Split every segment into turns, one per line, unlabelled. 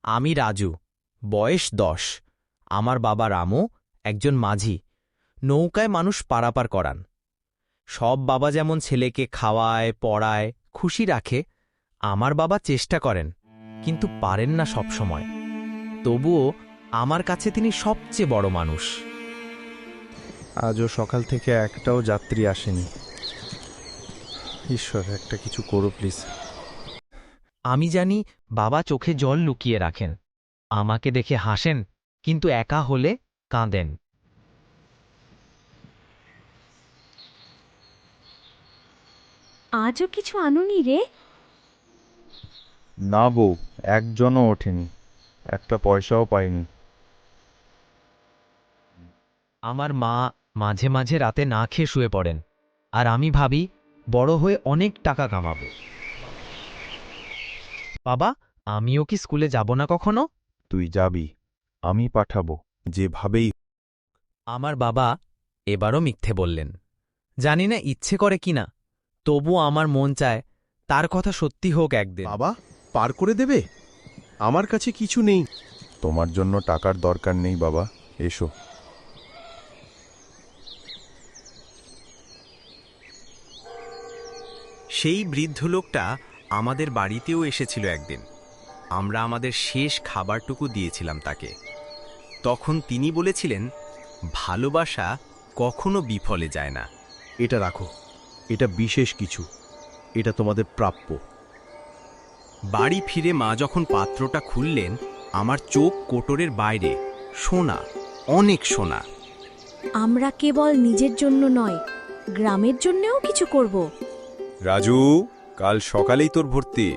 আমি রাজু, বয়স ১০। আমার বাবা রামু একজন মাঝি, নৌকায় মানুষ পারাপার করান। সব বাবা যেমন ছেলেকে খাওয়ায়, পড়ায়, খুশি রাখে, আমার বাবা চেষ্টা করেন, কিন্তু পারেন না সব সময়। তবুও আমার কাছে তিনি সবচেয়ে বড় মানুষ।
আজও সকাল থেকে একটাও যাত্রী আসেনি। ঈশ্বর, একটা কিছু করো প্লিজ।
আমি জানি বাবা চোখে জল লুকিয়ে রাখেন, আমাকে দেখে হাসেন, কিন্তু একা হলে কাঁদেন।
আজও কিছু আনুনি রে?
না বউ, একজনও ওঠেনি, একটা পয়সাও পাইনি।
আমার মা মাঝে মাঝে রাতে না খেয়ে শুয়ে পড়েন, আর আমি ভাবি বড় হয়ে অনেক টাকা কামাবো। বাবা, আমিও কি স্কুলে যাব না কখনো?
তুই যাবি, আমি পাঠাবো, যেভাবেই।
আমার বাবা এবারও মিথ্যে বললেন। জানি না ইচ্ছে করে কিনা, তবু আমার মন চায় তার কথা সত্যি হোক একদিন।
বাবা, পার করে দেবে? আমার কাছে কিছু নেই।
তোমার জন্য টাকার দরকার নেই বাবা, এসো।
সেই বৃদ্ধ লোকটা আমাদের বাড়িতেও এসেছিল একদিন। আমরা আমাদের শেষ খাবারটুকু দিয়েছিলাম তাকে। তখন তিনি বলেছিলেন, ভালোবাসা কখনো বিফলে যায় না।
এটা রাখো, এটা বিশেষ কিছু, এটা তোমাদের প্রাপ্য।
বাড়ি ফিরে মা যখন পাত্রটা খুললেন, আমার চোখ কোটরের বাইরে। সোনা, অনেক সোনা।
আমরা কেবল নিজের জন্য নয়, গ্রামের জন্যও কিছু করব।
রাজু, কাল সকালেই তোর ভর্তি।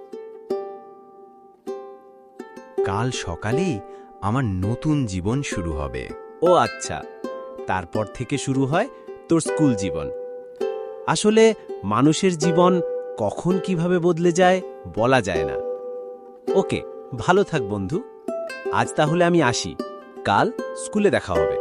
কাল সকালেই আমার নতুন জীবন শুরু হবে।
ও আচ্ছা, তারপর থেকে শুরু হয় তোর স্কুল জীবন। আসলে মানুষের জীবন কখন কিভাবে বদলে যায় বলা যায় না। ওকে, ভালো থাক বন্ধু। আজ তাহলে আমি আসি, কাল স্কুলে দেখা হবে।